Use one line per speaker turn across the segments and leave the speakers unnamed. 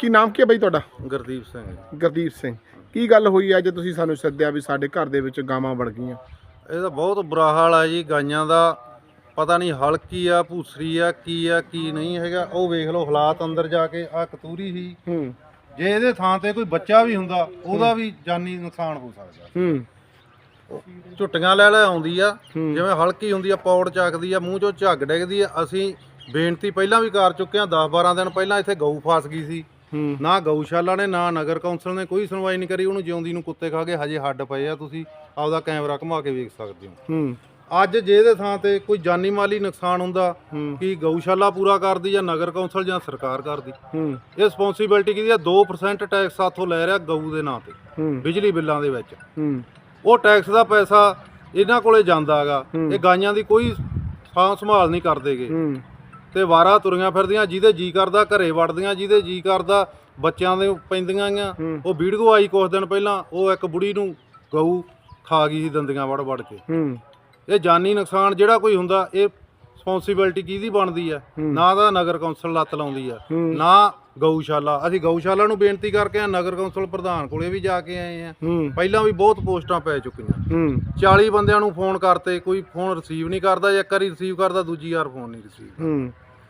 ਕੀ ਨਾਮ ਕੀ ਹੈ ਬਾਈ ਤੁਹਾਡਾ?
ਗੁਰਦੀਪ ਸਿੰਘ।
ਗੁਰਦੀਪ ਸਿੰਘ, ਕੀ ਗੱਲ ਹੋਈ ਅੱਜ ਤੁਸੀਂ ਸਾਨੂੰ ਸੱਦਿਆ ਵੀ ਸਾਡੇ ਘਰ ਦੇ ਵਿੱਚ ਗਾਵਾਂ ਵੜ ਗਈਆਂ?
ਇਹਦਾ ਬਹੁਤ ਬੁਰਾ ਹਾਲ ਆ ਜੀ, ਗਾਈਆਂ ਦਾ ਪਤਾ ਨਹੀਂ ਹਲਕੀ ਆ, ਭੂਸਰੀ ਆ ਕੀ ਨਹੀਂ ਹੈਗਾ। ਉਹ ਵੇਖ ਲਓ ਹਾਲਾਤ ਅੰਦਰ ਜਾ ਕੇ। ਆ ਕਤੂਰੀ ਸੀ, ਜੇ ਇਹਦੇ ਥਾਂ ਤੇ ਕੋਈ ਬੱਚਾ ਵੀ ਹੁੰਦਾ ਉਹਦਾ ਵੀ ਜਾਨੀ ਨੁਕਸਾਨ ਹੋ ਸਕਦਾ। ਝੁੱਟੀਆਂ ਲੈ ਆਉਂਦੀ ਆ, ਜਿਵੇਂ ਹਲਕੀ ਹੁੰਦੀ ਆ, ਪੌੜ ਚੱਕਦੀ ਆ, ਮੂੰਹ ਚੋਂ ਝੱਗ ਡਿੱਗਦੀ ਆ। ਅਸੀਂ ਬੇਨਤੀ ਪਹਿਲਾਂ ਵੀ ਕਰ ਚੁੱਕੇ ਆ, 10-12 ਦਿਨ ਪਹਿਲਾਂ ਇੱਥੇ ਗਊ ਫਸ ਗਈ ਸੀ। ਨਾ ਗਊਸ਼ਾਲਾ ਨੇ ਨਾ ਨਗਰ ਕੌਂਸਲ ਨੇ ਕੋਈ ਸੁਣਵਾਈ ਨਹੀਂ ਕਰੀ। ਉਹਨੂੰ ਜਿਉਂਦੀ ਨੂੰ ਕੁੱਤੇ ਖਾ ਕੇ ਹਜੇ ਹੱਡ ਪਏ ਆ, ਤੁਸੀਂ ਆਪਦਾ ਕੈਮਰਾ ਘੁਮਾ ਕੇ ਵੇਖ ਸਕਦੇ ਹੋ। ਅੱਜ ਜੇ ਇਹਦੇ ਥਾਂ ਤੇ ਕੋਈ ਜਾਨੀ ਮਾਲੀ ਨੁਕਸਾਨ ਹੁੰਦਾ, ਕੀ ਗਊਸ਼ਾਲਾ ਪੂਰਾ ਕਰਦੀ ਜਾਂ ਨਗਰ ਕੌਂਸਲ ਜਾਂ ਸਰਕਾਰ ਕਰਦੀ? ਇਹ ਰਿਸਪੌਂਸਿਬਿਲਟੀ ਕਿਹਦੀ ਆ? 2% ਟੈਕਸ ਸਾਥੋਂ ਲੈ ਰਿਹਾ ਗਊ ਦੇ ਨਾਂ ਤੇ ਬਿਜਲੀ ਬਿੱਲਾਂ ਦੇ ਵਿੱਚ। ਉਹ ਟੈਕਸ ਦਾ ਪੈਸਾ ਇਹਨਾਂ ਕੋਲੇ ਜਾਂਦਾ ਹੈਗਾ। ਇਹ ਗਾਈਆਂ ਦੀ ਕੋਈ ਸਾਂਭ ਸੰਭਾਲ ਨਹੀਂ ਕਰਦੇਗੇ ਤੇ ਵਾਰਾ ਤੁਰੀਆਂ ਫਿਰਦੀਆਂ, ਜਿਹਦੇ ਜੀ ਕਰਦਾ ਘਰੇ ਵੜਦੀਆਂ, ਜਿਹਦੇ ਜੀ ਕਰਦਾ ਬੱਚਿਆਂ ਦੇ ਪੈਂਦੀਆਂ ਆ। ਉਹ ਵੀਡੀਓ ਆਈ ਕੁਝ ਦਿਨ ਪਹਿਲਾਂ, ਉਹ ਇੱਕ ਬੁੜੀ ਨੂੰ ਗਊ ਖਾ ਗਈ ਸੀ ਦੰਦੀਆਂ ਵੜ ਕੇ। ਇਹ ਜਾਨੀ ਨੁਕਸਾਨ ਜਿਹੜਾ ਕੋਈ ਹੁੰਦਾ, ਇਹ ਰਿਸਪੌਂਸਿਬਿਲਟੀ ਕਿਹਦੀ ਬਣਦੀ ਆ? ਨਾ ਤਾਂ ਨਗਰ ਕੌਂਸਲ ਲੱਤ ਲਾਉਂਦੀ ਆ, ਨਾ ਗਊਸ਼ਾਲਾ। ਅਸੀਂ ਗਊਸ਼ਾਲਾ ਨੂੰ ਬੇਨਤੀ ਕਰਕੇ ਆ, ਨਗਰ ਕੌਂਸਲ ਪ੍ਰਧਾਨ ਕੋਲੇ ਵੀ ਜਾ ਕੇ ਆਏ ਆ। ਪਹਿਲਾਂ ਵੀ ਬਹੁਤ ਪੋਸਟਾਂ ਪੈ ਚੁੱਕੀਆਂ। 40 ਬੰਦਿਆਂ ਨੂੰ ਫੋਨ ਕਰਤੇ, ਕੋਈ ਫੋਨ ਰਿਸੀਵ ਨਹੀਂ ਕਰਦਾ, ਜਾਂ ਇੱਕ ਵਾਰੀ ਰਿਸੀਵ ਕਰਦਾ ਦੂਜੀ ਵਾਰ ਫੋਨ ਨਹੀਂ ਰਿਸੀਵ।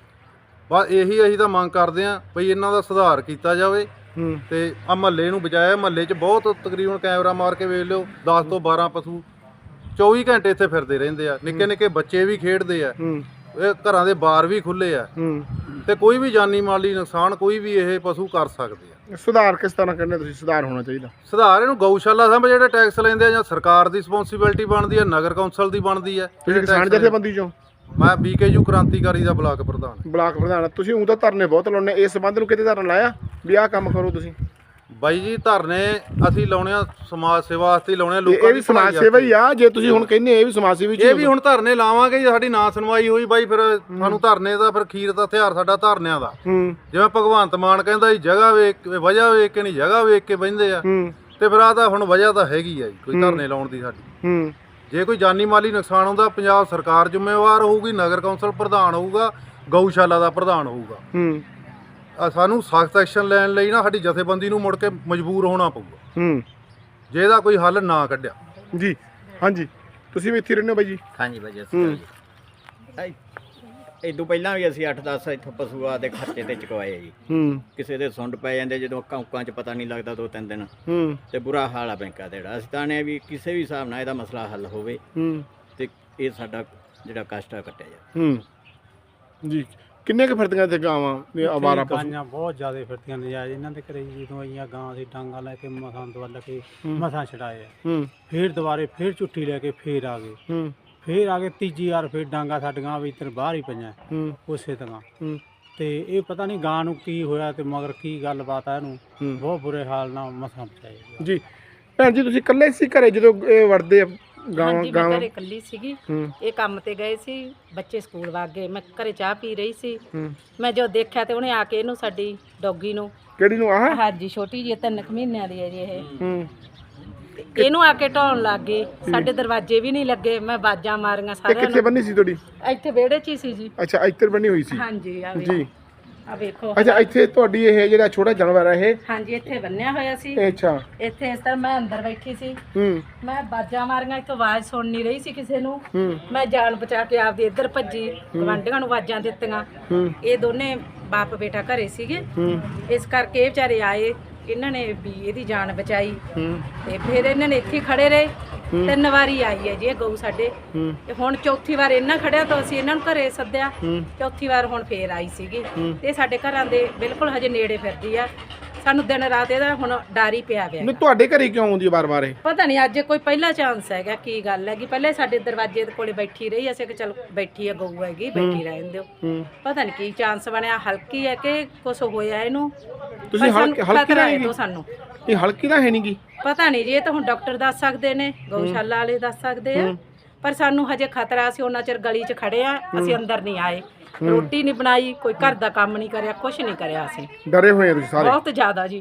ਬਸ ਇਹੀ ਅਸੀਂ ਤਾਂ ਮੰਗ ਕਰਦੇ ਆ ਬਈ ਇਹਨਾਂ ਦਾ ਸੁਧਾਰ ਕੀਤਾ ਜਾਵੇ ਤੇ ਆ ਮਹੱਲੇ ਨੂੰ ਬਚਾਇਆ। ਮਹੱਲੇ 'ਚ ਬਹੁਤ ਤਕਰੀਬਨ ਕੈਮਰਾ ਮਾਰ ਕੇ ਵੇਖ ਲਿਓ, 10 ਤੋਂ 12 ਪਸ਼ੂ 24 ਘੰਟੇ ਇੱਥੇ ਫਿਰਦੇ ਰਹਿੰਦੇ ਆ। ਨਿੱਕੇ ਨਿੱਕੇ ਬੱਚੇ ਵੀ ਖੇਡਦੇ ਆ, ਇਹ ਘਰਾਂ ਦੇ ਬਾਰ ਵੀ ਖੁੱਲੇ ਆ ਤੇ ਕੋਈ ਵੀ ਜਾਨੀ ਮਾਲੀ ਨੁਕਸਾਨ ਕੋਈ ਵੀ ਇਹ ਪਸ਼ੂ ਕਰ ਸਕਦੇ ਆ।
ਸੁਧਾਰ ਕਿਸ ਤਰ੍ਹਾਂ ਕਹਿੰਦੇ ਤੁਸੀਂ ਸੁਧਾਰ ਹੋਣਾ ਚਾਹੀਦਾ?
ਸੁਧਾਰ ਇਹਨੂੰ ਗਊਸ਼ਾਲਾ ਸਾਹਮਣੇ ਜਿਹੜੇ ਟੈਕਸ ਲੈਂਦੇ ਆ, ਜਾਂ ਸਰਕਾਰ ਦੀ ਰਿਸਪੌਂਸਿਬਿਲਟੀ ਬਣਦੀ ਆ, ਨਗਰ ਕੌਂਸਲ ਦੀ ਬਣਦੀ ਆ।
ਤੁਸੀਂ ਕਿਸਾਨ ਜਥੇਬੰਦੀ ਚੋਂ?
ਮੈਂ BKU ਕ੍ਰਾਂਤੀਕਾਰੀ ਦਾ ਬਲਾਕ ਪ੍ਰਧਾਨ। ਤੁਸੀਂ ਉਹ ਤਾਂ ਧਰਨੇ ਬਹੁਤ ਲਾਉਣੇ, ਇਸ ਸੰਬੰਧ ਨੂੰ ਕਿਤੇ ਧਰਨਾ ਲਾਇਆ ਵੀ ਆਹ ਕੰਮ ਕਰੋ ਤੁਸੀਂ? ਬਾਈ ਜੀ ਧਰਨੇ ਅਸੀਂ ਲਾਉਣੇ ਆ ਸਮਾਜ ਸੇਵਾ ਵਾਸਤੇ ਲਾਉਣੇ ਆ। ਲੋਕਾਂ
ਇਹ ਵੀ ਸਮਾਜ ਸੇਵਾ ਹੀ ਆ, ਜੇ ਤੁਸੀਂ ਹੁਣ ਕਹਿੰਦੇ ਇਹ ਵੀ ਸਮਾਜ ਸੇਵਾ
ਇਹ ਵੀ ਹੁਣ ਧਰਨੇ ਲਾਵਾਂਗੇ। ਜੇ ਸਾਡੀ ਨਾ ਸੁਣਵਾਈ ਹੋਈ ਬਾਈ, ਫਿਰ ਸਾਨੂੰ ਧਰਨੇ ਦਾ ਫਿਰ ਖੀਰ ਦਾ ਹਥਿਆਰ ਸਾਡਾ ਧਰਨਿਆਂ ਦਾ। ਜਿਵੇਂ ਭਗਵੰਤ ਮਾਨ ਕਹਿੰਦਾ ਜੀ, ਜਗ੍ਹਾ ਵੇਖ ਵਜ੍ਹਾ ਵੇਖ ਕੇ ਨਹੀਂ, ਜਗ੍ਹਾ ਵੇਖ ਕੇ ਬਹਿੰਦੇ ਆ। ਤੇ ਫਿਰ ਆਹ ਤਾਂ ਹੁਣ ਵਜ੍ਹਾ ਤਾਂ ਹੈਗੀ ਆ ਜੀ ਕੋਈ ਧਰਨੇ ਲਾਉਣ ਦੀ ਸਾਡੀ। ਜੇ ਕੋਈ ਜਾਨੀ ਮਾਲੀ ਨੁਕਸਾਨ ਹੁੰਦਾ, ਪੰਜਾਬ ਸਰਕਾਰ ਜ਼ਿੰਮੇਵਾਰ ਹੋਊਗੀ, ਨਗਰ ਕੌਂਸਲ ਪ੍ਰਧਾਨ ਹੋਊਗਾ, ਗਊਸ਼ਾਲਾ ਦਾ ਪ੍ਰਧਾਨ ਹੋਊਗਾ। ਸਾਨੂੰ ਸਖਤ ਐਕਸ਼ਨ ਲੈਣ ਲਈ ਨਾ ਸਾਡੀ ਜਥੇਬੰਦੀ ਨੂੰ ਮੁੜ ਕੇ ਮਜਬੂਰ ਹੋਣਾ ਪਊਗਾ ਜੇ ਇਹਦਾ ਕੋਈ ਹੱਲ ਨਾ ਕੱਢਿਆ
ਜੀ। ਹਾਂਜੀ, ਤੁਸੀਂ ਵੀ ਇੱਥੇ ਰਹਿੰਦੇ ਹੋ ਬਾਈ ਜੀ?
ਹਾਂਜੀ ਬਾਈ ਜੀ, ਇਦੋਂ ਪਹਿਲਾਂ ਵੀ ਅਸੀਂ 8-10 ਇੱਥੋਂ ਪਸ਼ੂਆਂ ਦੇ ਖਰਚੇ ਤੇ ਚੁਕਵਾਏ ਜੀ। ਕਿਸੇ ਦੇ ਸੁੰਡ ਪੈ ਜਾਂਦੇ ਜਦੋਂ ਕੌਂਕਾਂ 'ਚ ਪਤਾ ਨਹੀਂ ਲੱਗਦਾ 2-3 ਦਿਨ, ਤੇ ਬੁਰਾ ਹਾਲ ਆ ਬੈਂਕਾਂ ਦਾ ਜਿਹੜਾ। ਅਸੀਂ ਤਾਂ ਨੇ ਵੀ ਕਿਸੇ ਵੀ ਹਿਸਾਬ ਨਾਲ ਇਹਦਾ ਮਸਲਾ ਹੱਲ ਹੋਵੇ ਤੇ ਇਹ ਸਾਡਾ ਜਿਹੜਾ ਕਸ਼ਟ ਆ ਕੱਟਿਆ ਜਾਵੇ
ਜੀ। ਕਿੰਨੇ ਕੁ ਫਿਰਦੀਆਂ ਇੱਥੇ ਗਾਵਾਂ ਆਵਾਰਾ ਪਸ਼ੂ?
ਗਾਈਆਂ ਬਹੁਤ ਜ਼ਿਆਦਾ ਫਿਰਦੀਆਂ ਨਜਾਇਜ਼। ਇਹਨਾਂ ਦੇ ਘਰੇ ਜਦੋਂ ਆਈਆਂ ਗਾਂ ਸੀ, ਡਾਂਗਾ ਲੈ ਕੇ ਮਸਾਂ ਦਵਲ ਕੇ ਮਸਾਂ ਛਡਾਏ ਆ। ਫੇਰ ਦੁਬਾਰੇ ਫੇਰ ਝੁੱਟੀ ਲੈ ਕੇ ਫੇਰ ਆ ਗਏ ਤੀਜੀ ਵਾਰ ਫੇਰ ਡਾਂਗਾ ਸਾਡੀਆਂ ਵੀ ਇੱਧਰ ਬਾਹਰ ਹੀ ਪਈਆਂ ਉਸੇ ਤਰ੍ਹਾਂ। ਤੇ ਇਹ ਪਤਾ ਨਹੀਂ ਗਾਂ ਨੂੰ ਕੀ ਹੋਇਆ ਤੇ ਮਗਰ ਕੀ ਗੱਲਬਾਤ ਆ, ਇਹਨੂੰ ਬਹੁਤ ਬੁਰੇ ਹਾਲ ਨਾਲ ਮਸਾਂ ਬਚਾਏ ਜੀ।
ਭੈਣ ਜੀ, ਤੁਸੀਂ ਇਕੱਲੇ ਸੀ ਘਰੇ ਜਦੋਂ ਇਹ ਵੜਦੇ ਆ ਗਾਵਾਂ?
ਮੈਂ ਘਰੇ ਇਕੱਲੀ ਸੀਗੀ, ਇਹ ਕੰਮ ਤੇ ਗਏ ਸੀ, ਬੱਚੇ ਸਕੂਲ ਵਗ ਗਏ, ਮੈਂ ਘਰੇ ਚਾਹ ਪੀ ਰਹੀ ਸੀ। ਮੈਂ ਜੋ ਦੇਖਿਆ ਤੇ ਉਹਨੇ ਆ ਕੇ ਇਹਨੂੰ, ਸਾਡੀ ਡੌਗੀ ਨੂੰ।
ਕਿਹੜੀ ਨੂੰ? ਆਹ
ਹਾਂਜੀ, ਛੋਟੀ ਜਿਹੀ 3 ਮਹੀਨਿਆਂ ਦੀ ਹੈ ਜੀ ਇਹ। ਇਹਨੂੰ ਆ ਕੇ ਢਾਉਣ ਲੱਗ ਗਏ। ਸਾਡੇ ਦਰਵਾਜ਼ੇ ਵੀ ਨਹੀਂ ਲੱਗੇ, ਮੈਂ ਬਾਜਾਂ ਮਾਰੀਆਂ ਸਾਰਿਆਂ ਨੂੰ।
ਕਿੱਥੇ ਬੰਨੀ ਸੀ ਤੁਹਾਡੀ?
ਇੱਥੇ ਵਿਹੜੇ 'ਚ ਹੀ ਸੀ ਜੀ।
ਅੱਛਾ, ਇੱਧਰ ਬੰਨੀ ਹੋਈ ਸੀ?
ਹਾਂਜੀ
ਜੀ।
ਆ ਵੇਖੋ।
ਅੱਛਾ, ਇੱਥੇ ਤੁਹਾਡੀ ਇਹ ਜਿਹੜਾ ਛੋਟਾ ਜਾਨਵਰ ਹੈ ਇਹ?
ਹਾਂਜੀ, ਇੱਥੇ ਬੰਨਿਆ ਹੋਇਆ ਸੀ।
ਅੱਛਾ।
ਇੱਥੇ ਇਸ ਤਰ੍ਹਾਂ ਮੈਂ ਅੰਦਰ ਬੈਠੀ ਸੀ, ਮੈਂ ਬਾਜਾਂ ਮਾਰੀਆਂ, ਇੱਥੋਂ ਆਵਾਜ਼ ਸੁਣ ਨਹੀਂ ਰਹੀ ਸੀ ਕਿਸੇ ਨੂੰ। ਮੈਂ ਜਾਨ ਬਚਾ ਕੇ ਆਪਦੀ ਇੱਧਰ ਭੱਜੀ, ਗਵਾਂਢੀਆਂ ਨੂੰ ਆਵਾਜ਼ਾਂ ਦਿੱਤੀਆਂ। ਇਹ ਦੋਨੇ ਬਾਪ ਬੇਟਾ ਘਰੇ ਸੀਗੇ, ਇਸ ਕਰਕੇ ਇਹ ਵਿਚਾਰੇ ਆਏ, ਇਹਨਾਂ ਨੇ ਵੀ ਇਹਦੀ ਜਾਨ ਬਚਾਈ। ਤੇ ਫਿਰ ਇਹਨਾਂ ਨੇ ਇੱਥੇ ਖੜੇ ਰਹੇ। 3 ਵਾਰੀ ਆਈ ਹੈ ਜੀ ਇਹ ਗਊ ਸਾਡੇ। ਤੇ ਹੁਣ ਚੌਥੀ ਵਾਰ ਇਹਨਾਂ ਖੜਿਆ ਤਾਂ ਅਸੀਂ ਇਹਨਾਂ ਨੂੰ ਘਰੇ ਸੱਦਿਆ। ਚੌਥੀ ਵਾਰ ਹੁਣ ਫੇਰ ਆਈ ਸੀਗੀ। ਤੇ ਸਾਡੇ ਘਰਾਂ ਦੇ ਬਿਲਕੁਲ ਹਜੇ ਨੇੜੇ ਫਿਰਦੀ ਆ। ਸਾਨੂੰ ਦਿਨ ਰਾਤ ਇਹਦਾ ਹੁਣ ਡਰ ਹੀ ਪਿਆ ਗਿਆ।
ਨਹੀਂ, ਤੁਹਾਡੇ ਘਰੇ ਕਿਉਂ ਆਉਂਦੀ ਵਾਰ-ਵਾਰ ਇਹ?
ਪਤਾ ਨਹੀਂ ਅੱਜ ਕੋਈ ਪਹਿਲਾ ਚਾਂਸ ਹੈਗਾ, ਕੀ ਗੱਲ ਹੈਗੀ। ਪਹਿਲੇ ਸਾਡੇ ਦਰਵਾਜ਼ੇ ਦੇ ਕੋਲੇ ਬੈਠੀ ਰਹੀ, ਅਸੀਂ ਕਿ ਚਲ ਬੈਠੀ ਆ ਗਊ ਹੈਗੀ, ਬੈਠੀ ਰਹਿਣ ਦਿਓ। ਪਤਾ ਨਹੀਂ ਕੀ ਚਾਂਸ ਬਣਿਆ, ਹਲਕੀ ਹੈ ਕਿ ਕੁਛ ਹੋਇਆ ਇਹਨੂੰ।
ਤੁਸੀਂ ਹਲਕੀ ਦਾ
ਹੈ ਸਾਨੂੰ?
ਇਹ ਹਲਕੀ ਦਾ ਹੈ ਨਹੀਂ ਗੀ,
ਪਤਾ ਨਹੀਂ ਜੀ, ਇਹ ਤਾਂ ਹੁਣ ਡਾਕਟਰ ਦੱਸ ਸਕਦੇ ਨੇ, ਗਊਸ਼ਾਲਾ ਵਾਲੇ ਦੱਸ ਸਕਦੇ ਆ। ਪਰ ਸਾਨੂੰ ਹਜੇ ਖਤਰਾ ਸੀ, ਉਹਨਾਂ ਚਿਰ ਗਲੀ 'ਚ ਖੜੇ ਆ, ਅਸੀਂ ਅੰਦਰ ਨਹੀਂ ਆਏ। ਰੋਟੀ ਨਹੀਂ ਬਣਾਈ, ਕੋਈ ਘਰ ਦਾ ਕੰਮ ਨਹੀਂ ਕਰਿਆ, ਕੁਛ ਨਹੀਂ ਕਰਿਆ। ਅਸੀਂ
ਡਰੇ ਹੋਏ ਆ ਤੁਸੀਂ ਸਾਰੇ?
ਬਹੁਤ ਜ਼ਿਆਦਾ ਜੀ।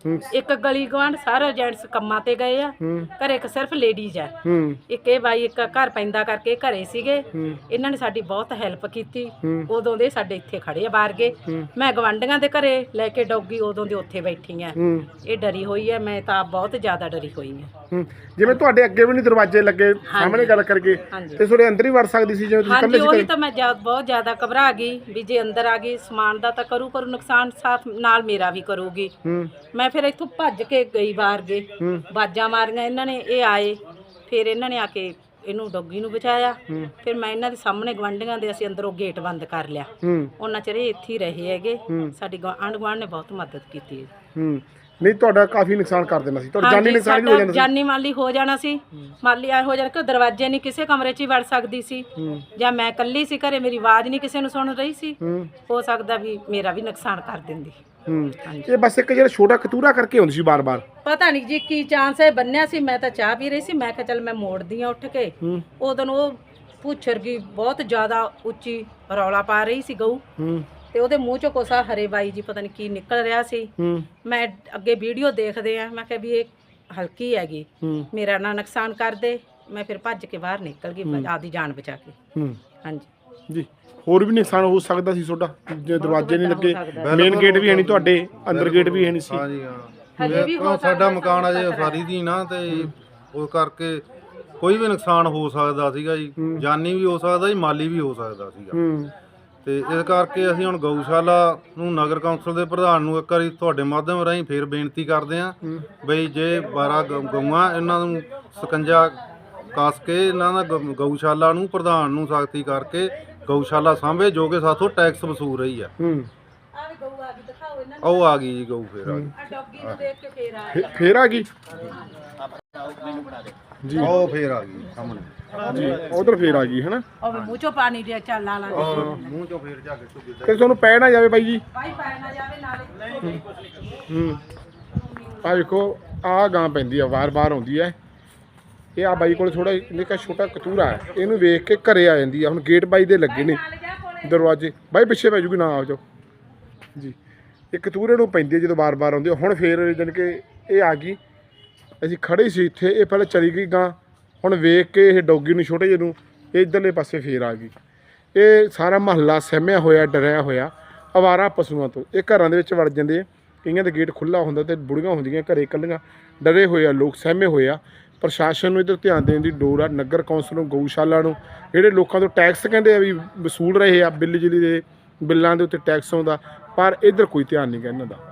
ਇੱਕ ਗਲੀ ਗਵਾਂਢ ਸਾਰੇ ਜੈਂਟਸ ਕੰਮਾਂ ਤੇ ਗਏ ਆ, ਘਰੇ ਇੱਕ ਸਿਰਫ ਲੇਡੀਜ਼ ਆ। ਇੱਕ ਇਹ ਬਾਈ ਇੱਕ ਘਰ ਪੈਂਦਾ ਕਰਕੇ ਘਰੇ ਸੀਗੇ। ਇਹਨਾਂ ਨੇ ਸਾਡੀ ਬਹੁਤ ਹੈਲਪ ਕੀਤੀ। ਉਦੋਂ ਦੇ ਸਾਡੇ ਇੱਥੇ ਖੜੇ ਆ ਬਾਹਰ ਗਏ। ਮੈਂ ਗਵਾਂਢੀਆਂ ਦੇ ਘਰੇ ਲੈ ਕੇ ਡੌਗੀ ਉਦੋਂ ਦੇ ਉੱਥੇ ਬੈਠੀ ਆ। ਇਹ ਡਰੀ ਹੋਈ ਹੈ, ਮੈਂ ਤਾਂ ਬਹੁਤ ਜ਼ਿਆਦਾ ਡਰੀ ਹੋਈ ਹਾਂ।
ਜਿਵੇਂ ਤੁਹਾਡੇ ਅੱਗੇ ਵੀ ਨਹੀਂ ਦਰਵਾਜ਼ੇ ਲੱਗੇ, ਸਾਹਮਣੇ ਗੱਲ ਕਰਕੇ, ਤੇ ਤੁਹਾਡੇ ਅੰਦਰ ਹੀ ਵੜ ਸਕਦੀ ਸੀ ਜਿਵੇਂ ਤੁਸੀਂ
ਹਾਂਜੀ,
ਇਕੱਲੇ
ਉਹੀ
ਸੀ?
ਤਾਂ ਮੈਂ ਬਹੁਤ ਜ਼ਿਆਦਾ ਘਬਰਾ ਗਈ ਵੀ ਜੇ ਅੰਦਰ ਆ ਗਈ ਸਮਾਨ ਦਾ ਤਾਂ ਕਰੂ ਨੁਕਸਾਨ, ਸਾਥ ਨਾਲ ਮੇਰਾ ਵੀ ਕਰੂਗੀ। ਮੈਂ ਫਿਰ ਇੱਥੋਂ ਭੱਜ ਕੇ ਗਈ ਬਾਹਰ ਗਏ, ਬਾਜਾਂ ਮਾਰੀਆਂ ਇਹਨਾਂ ਨੇ, ਇਹ ਆਏ, ਫਿਰ ਇਹਨਾਂ ਨੇ ਆ ਕੇ ਇਹਨੂੰ ਡੌਗੀ ਨੂੰ ਬਚਾਇਆ। ਫਿਰ ਮੈਂ ਇਹਨਾਂ ਦੇ ਸਾਹਮਣੇ ਗਵਾਂਢੀਆਂ ਦੇ ਅਸੀਂ ਅੰਦਰੋਂ ਗੇਟ ਬੰਦ ਕਰ ਲਿਆ। ਉਹਨਾਂ ਚਿਰ ਇਹ ਇੱਥੇ ਹੀ ਰਹੇ ਹੈਗੇ। ਸਾਡੀ ਆਂਢ ਗੁਆਂਢ ਨੇ ਬਹੁਤ ਮਦਦ ਕੀਤੀ ਹੈ।
ਨਹੀਂ ਤੁਹਾਡਾ ਕਾਫੀ ਨੁਕਸਾਨ ਕਰ ਦੇਣਾ ਸੀ, ਤੁਹਾਡਾ ਜਾਨੀ ਨੁਕਸਾਨ ਵੀ ਹੋ ਜਾਣਾ ਸੀ।
ਜਾਨੀ ਮਾਲੀ ਹੋ ਜਾਣਾ ਸੀ। ਮਾਲੀ ਆਏ ਹੋ ਜਾਣਾ ਕਿ ਦਰਵਾਜ਼ੇ ਨਹੀਂ ਕਿਸੇ ਕਮਰੇ 'ਚ ਹੀ ਵੜ ਸਕਦੀ ਸੀ, ਜਾਂ ਮੈਂ ਇਕੱਲੀ ਸੀ ਘਰੇ, ਮੇਰੀ ਆਵਾਜ਼ ਨਹੀਂ ਕਿਸੇ ਨੂੰ ਸੁਣ ਰਹੀ ਸੀ। ਹੋ ਸਕਦਾ ਵੀ ਮੇਰਾ ਵੀ ਨੁਕਸਾਨ ਕਰ ਦਿੰਦੀ।
ਇਹ ਬਸ ਇੱਕ ਜਿਹੜਾ ਛੋਟਾ ਕਤੂਰਾ ਕਰਕੇ ਹੁੰਦੀ ਸੀ ਬਾਰ-ਬਾਰ।
ਪਤਾ ਨਹੀਂ ਜੀ ਕੀ ਚਾਂਸ ਹੈ, ਬੰਨਿਆ ਸੀ। ਮੈਂ ਤਾਂ ਚਾਹ ਪੀ ਰਹੀ ਸੀ, ਮੈਂ ਕਿਹਾ ਚੱਲ ਮੈਂ ਮੋੜਦੀ ਆ ਉੱਠ ਕੇ। ਉਦੋਂ ਉਹ ਪੁੱਛਰ ਗਈ ਬਹੁਤ ਜ਼ਿਆਦਾ ਉੱਚੀ ਰੌਲਾ ਪਾ ਰਹੀ ਸੀ ਗਊ, ਤੇ ਉਹਦੇ ਮੂੰਹ ਚੋਂ ਕੋਸਾ ਹਰੇ ਬਾਈ ਜੀ ਪਤਾ ਨਹੀਂ ਕੀ ਨਿਕਲ ਰਿਹਾ ਸੀ। ਮੈਂ ਅੱਗੇ ਵੀਡੀਓ ਦੇਖਦੇ ਆ, ਮੈਂ ਕਿਹਾ ਵੀ ਇਹ ਹਲਕੀ ਹੈਗੀ, ਮੇਰਾ ਨਾ ਨੁਕਸਾਨ ਕਰ ਦੇ। ਮੈਂ ਫਿਰ ਭੱਜ ਕੇ ਬਾਹਰ ਨਿਕਲ ਗਈ ਆਪਦੀ ਜਾਨ ਬਚਾ ਕੇ। ਹਾਂਜੀ
ਜੀ, ਹੋਰ ਵੀ ਨੁਕਸਾਨ ਹੋ ਸਕਦਾ ਸੀ ਤੁਹਾਡਾ ਜੇ ਦਰਵਾਜ਼ੇ ਨਹੀਂ ਲੱਗੇ, ਮੇਨ ਗੇਟ ਵੀ ਹੈ ਨਹੀਂ ਤੁਹਾਡੇ, ਅੰਦਰ ਗੇਟ ਵੀ ਹੈ ਨਹੀਂ ਸੀ।
ਹਾਂਜੀ ਹਾਂ, ਸਾਡਾ ਮਕਾਨ ਅਜੇ ਉਸਾਰੀ ਦੀ ਨਾ, ਤੇ ਉਸ ਕਰਕੇ ਕੋਈ ਵੀ ਨੁਕਸਾਨ ਹੋ ਸਕਦਾ ਸੀਗਾ ਜੀ। ਜਾਨੀ ਵੀ ਹੋ ਸਕਦਾ ਜੀ, ਮਾਲੀ ਵੀ ਹੋ ਸਕਦਾ ਸੀਗਾ। ਤੇ ਇਸ ਕਰਕੇ ਅਸੀਂ ਹੁਣ ਗਊਸ਼ਾਲਾ ਨੂੰ ਨਗਰ ਕੌਂਸਲ ਦੇ ਪ੍ਰਧਾਨ ਨੂੰ ਇੱਕ ਵਾਰੀ ਤੁਹਾਡੇ ਮਾਧਿਅਮ ਰਾਹੀਂ ਫੇਰ ਬੇਨਤੀ ਕਰਦੇ ਹਾਂ ਬਈ ਜੇ 12 ਗਊਆਂ ਇਹਨਾਂ ਨੂੰ ਸਕੰਜਾ ਕੱਸ ਕੇ ਇਹਨਾਂ ਦਾ ਗਊਸ਼ਾਲਾ ਨੂੰ ਪ੍ਰਧਾਨ ਨੂੰ ਸਖਤੀ ਕਰਕੇ ਗਊਸ਼ਾਲਾ ਸਾਂਭੇ, ਜੋ ਕਿ ਸਾਥੋਂ ਟੈਕਸ ਵਸੂਲ ਰਹੀ ਆ। ਉਹ ਆ ਗਈ ਜੀ ਗਊ, ਫੇਰ ਆ ਗਈ,
ਫੇਰ ਆ ਗਈ
ਜੀ, ਉਹ ਫੇਰ ਆ ਗਈ ਸਾਹਮਣੇ
ਜੀ, ਉਧਰ ਫੇਰ ਆ ਗਈ ਹੈ ਨਾ।
ਉਹ ਮੂੰਹ ਚੋਂ ਪਾਣੀ ਦੇ ਚੱਲ ਲਾ
ਮੂੰਹ ਚੋਂ ਫੇਰ ਜਾ ਕੇ
ਤੇ ਤੁਹਾਨੂੰ ਪੈ ਨਾ ਜਾਵੇ ਬਾਈ ਜੀ।
ਭਾਈ ਪੈ ਨਾ ਜਾਵੇ ਨਾਲੇ।
ਆ ਵੇਖੋ, ਆ ਗਾਂ ਪੈਂਦੀ ਆ, ਵਾਰ-ਵਾਰ ਆਉਂਦੀ ਹੈ। ਇਹ ਆ ਬਾਈ ਕੋਲ ਥੋੜਾ ਨਿੱਕਾ ਛੋਟਾ ਕਤੂਰਾ ਹੈ, ਇਹਨੂੰ ਵੇਖ ਕੇ ਘਰੇ ਆ ਜਾਂਦੀ ਆ। ਹੁਣ ਗੇਟ ਬਾਈ ਦੇ ਲੱਗੇ ਨੇ ਦਰਵਾਜ਼ੇ, ਬਾਈ ਪਿੱਛੇ ਪੈ ਜੂਗੀ, ਨਾ ਆ ਜਾਓ ਜੀ। ਇਹ ਕਤੂਰੇ ਨੂੰ ਪੈਂਦੀ ਹੈ ਜਦੋਂ ਵਾਰ-ਵਾਰ ਆਉਂਦੀ। ਹੁਣ ਫੇਰ ਜਾਣੀ ਕਿ ਇਹ ਆ ਗਈ, ਅਸੀਂ ਖੜੇ ਸੀ ਇੱਥੇ, ਇਹ ਪਹਿਲਾਂ ਚਲੀ ਗਈ ਗਾਂ। ਹੁਣ ਵੇਖ ਕੇ ਇਹ ਡੌਗੀ ਨੂੰ, ਛੋਟੇ ਜਿਹੇ ਨੂੰ, ਇਹ ਇੱਧਰਲੇ ਪਾਸੇ ਫੇਰ ਆ ਗਈ। ਇਹ ਸਾਰਾ ਮਹੱਲਾ ਸਹਿਮਿਆ ਹੋਇਆ, ਡਰਿਆ ਹੋਇਆ ਅਵਾਰਾ ਪਸ਼ੂਆਂ ਤੋਂ। ਇਹ ਘਰਾਂ ਦੇ ਵਿੱਚ ਵੜ ਜਾਂਦੇ ਆ, ਕਈਆਂ ਦਾ ਗੇਟ ਖੁੱਲ੍ਹਾ ਹੁੰਦਾ ਤੇ ਬੁੜੀਆਂ ਹੁੰਦੀਆਂ ਘਰੇ ਇਕੱਲੀਆਂ, ਡਰੇ ਹੋਏ ਆ ਲੋਕ, ਸਹਿਮੇ ਹੋਏ ਆ। ਪ੍ਰਸ਼ਾਸਨ ਨੂੰ ਇੱਧਰ ਧਿਆਨ ਦੇਣ ਦੀ ਲੋੜ ਆ, ਨਗਰ ਕੌਂਸਲ ਨੂੰ, ਗਊਸ਼ਾਲਾ ਨੂੰ, ਜਿਹੜੇ ਲੋਕਾਂ ਤੋਂ ਟੈਕਸ ਕਹਿੰਦੇ ਆ ਵੀ ਵਸੂਲ ਰਹੇ ਆ, ਬਿਜਲੀ ਦੇ ਬਿੱਲਾਂ ਦੇ ਉੱਤੇ ਟੈਕਸ ਆਉਂਦਾ, ਪਰ ਇੱਧਰ ਕੋਈ ਧਿਆਨ ਨਹੀਂ ਗਾ ਇਹਨਾਂ ਦਾ।